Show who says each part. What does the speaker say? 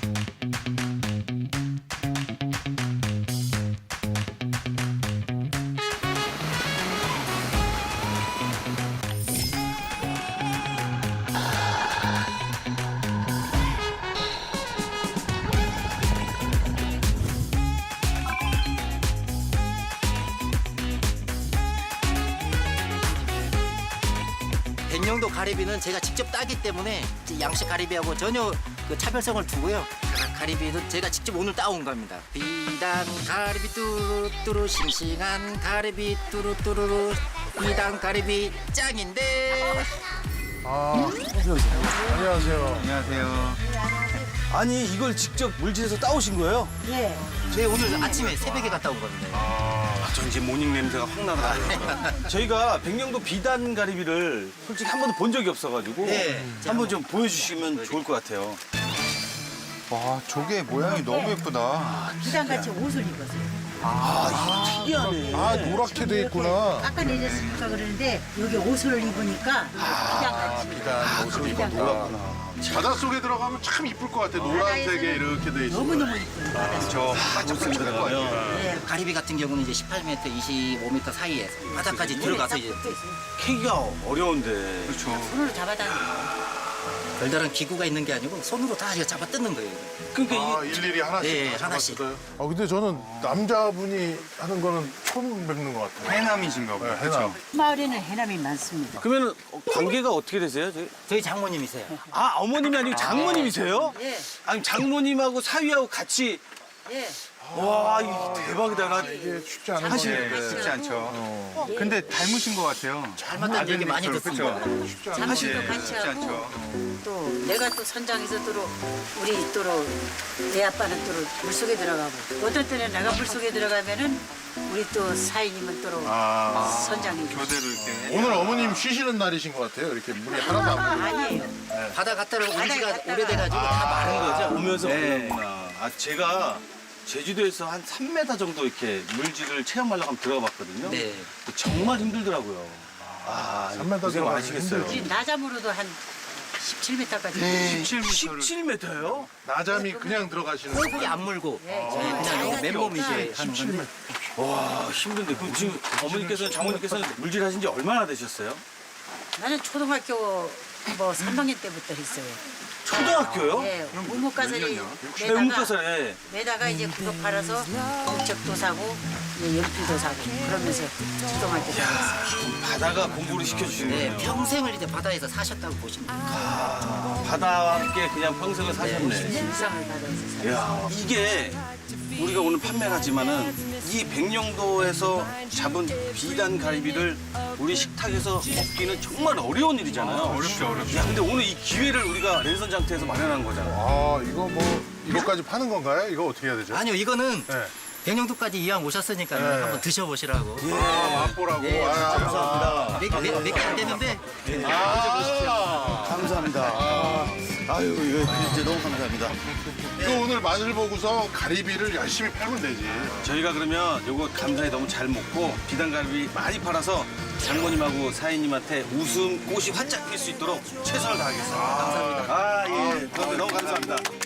Speaker 1: 백령도 가리비는 제가 직접 따기 때문에 양식 가리비하고 전혀 그 차별성을 두고요. 가리비는 제가 직접 오늘 따온 겁니다. 비단 가리비 뚜루뚜루 싱싱한 가리비 뚜루뚜루루 비단 가리비 짱인데.
Speaker 2: 안녕하세요.
Speaker 3: 안녕하세요.
Speaker 4: 아니 이걸 직접 물질에서 따오신 거예요?
Speaker 5: 예.
Speaker 1: 제가 오늘 아침에 새벽에 갔다 온 겁니다.
Speaker 3: 전 이제 모닝 냄새가 확 나더라고요.
Speaker 4: 저희가 백령도 비단 가리비를 솔직히 한 번도 본 적이 없어가지고
Speaker 1: 네.
Speaker 4: 한번 좀 보여주시면 좋을 것 같아요.
Speaker 3: 와, 조개 모양이 너무 예쁘다.
Speaker 5: 비단같이 옷을 입었어요.
Speaker 4: 특이하네.
Speaker 2: 아, 노랗게 돼 있구나.
Speaker 5: 아까 내렸으니까 그러는데 여기 옷을 입으니까 비단같이.
Speaker 2: 비단 옷을 입어 노랗구나. 바닷속에 들어가면 참 이쁠 것 같아. 노란색에 이렇게 돼 있어.
Speaker 5: 너무너무 이뻐요. 바다에서.
Speaker 3: 저 반짝반짝할 것 같아요.
Speaker 5: 예.
Speaker 1: 가리비 같은 경우는 이제 18m, 25m 사이에 바다까지 들어가서 이제
Speaker 4: 캐기가 어려운데.
Speaker 3: 그렇죠.
Speaker 5: 손으로 잡아다니는
Speaker 1: 별다른 기구가 있는 게 아니고 손으로 다 이거 잡아 뜯는 거예요.
Speaker 4: 그러니까
Speaker 2: 아, 일일이 하나씩
Speaker 1: 네,
Speaker 2: 다
Speaker 1: 하나씩.
Speaker 2: 잡았어요? 근데 저는 남자분이 하는 거는 처음 뵙는 것 같아요.
Speaker 3: 해남이신가 보다.
Speaker 2: 네, 해남.
Speaker 5: 마을에는 해남이 많습니다.
Speaker 4: 그러면 관계가 어떻게 되세요?
Speaker 1: 저희 장모님이세요.
Speaker 4: 아 어머님이 아니고 장모님이세요?
Speaker 5: 예.
Speaker 4: 아니 장모님하고 사위하고 같이
Speaker 5: 예.
Speaker 4: 와 이거 대박이다. 나
Speaker 2: 이게 쉽지 않은
Speaker 4: 사실
Speaker 2: 건데.
Speaker 3: 네, 쉽지 않죠. 근데 닮으신 것 같아요.
Speaker 1: 닮았다는 얘기 많이 듣습니다.
Speaker 2: 쉽지 않은
Speaker 5: 잠실도
Speaker 3: 네,
Speaker 5: 같이
Speaker 3: 쉽지
Speaker 5: 하고
Speaker 3: 않죠.
Speaker 5: 또 내가 또 선장에서 또 우리 또내 아빠는 또 물속에 들어가고 어떤 때는 내가 물속에 들어가면은 우리 또 사인님은 또 선장이
Speaker 3: 교대로 이렇게.
Speaker 2: 오늘 어머님 쉬시는 날이신 것 같아요. 이렇게 물이 하나도 안 보이고.
Speaker 5: 아니에요.
Speaker 1: 바다 갔다가 온
Speaker 5: 바다에
Speaker 1: 지가
Speaker 5: 갔다가.
Speaker 1: 오래돼가지고 다 마른 거죠.
Speaker 4: 오면서
Speaker 3: 네.
Speaker 4: 그러구나. 아 제가 제주도에서 한 3m 정도 이렇게 물질을 체험하려고 한번 들어가 봤거든요.
Speaker 1: 네.
Speaker 4: 정말 힘들더라고요. 아,
Speaker 2: 3m
Speaker 4: 고생
Speaker 2: 들어가면
Speaker 4: 많으시겠어요.
Speaker 2: 힘들지.
Speaker 5: 우리 나잠으로도 한 17m까지.
Speaker 3: 17m.
Speaker 4: 17m요?
Speaker 2: 나잠이 그냥 들어가시는
Speaker 1: 거기 안 물고
Speaker 5: 예,
Speaker 1: 그냥 요 맨몸 이제 하는
Speaker 2: 17m.
Speaker 1: 건데
Speaker 4: 와 힘든데 그럼 지금 어머니께서는 장모님께서는 물질 하신 지 얼마나 되셨어요?
Speaker 5: 나는 초등학교 뭐 3학년 때부터 했어요.
Speaker 4: 초등학교요?
Speaker 5: 예, 우뭇가사리
Speaker 4: 배움가서에
Speaker 5: 매다가 이제 그거 팔아서 공책도 사고 이제 연필도 사고 그러면서 초등학교 다녔어요.
Speaker 4: 바다가 공부를 시켜주시네요.
Speaker 1: 네, 평생을 이제 바다에서 사셨다고 보시면 돼요.
Speaker 4: 바다와 함께 그냥 평생을 사셨네.
Speaker 5: 일상을 바다에서 살았어요.
Speaker 4: 야 이게 우리가 오늘 판매를 하지만은 이 백령도에서 잡은 비단 가리비를 우리 식탁에서 먹기는 정말 어려운 일이잖아요.
Speaker 3: 어렵죠, 어렵죠.
Speaker 4: 야 근데 오늘 이 기회를 우리가 랜선 장터에서 마련한 거잖아요.
Speaker 2: 아, 이거 뭐 이거까지 파는 건가요? 이거 어떻게 해야 되죠?
Speaker 1: 아니요, 이거는
Speaker 2: 네.
Speaker 1: 백령도까지 이왕 오셨으니까
Speaker 2: 네.
Speaker 1: 한번 드셔보시라고.
Speaker 2: 맛보라고.
Speaker 1: 예,
Speaker 2: 아,
Speaker 4: 감사합니다.
Speaker 1: 몇 개 안 되는데
Speaker 4: 감사합니다. 아유 이거 진짜 너무 감사합니다.
Speaker 2: 이거 오늘 맛을 보고서 가리비를 열심히 팔면 되지.
Speaker 4: 저희가 그러면 요거 감사히 너무 잘 먹고 비단갈비 많이 팔아서 장모님하고 사인님한테 웃음 꽃이 활짝 필 수 있도록 최선을 다하겠습니다. 감사합니다. 아 예, 너무 감사합니다.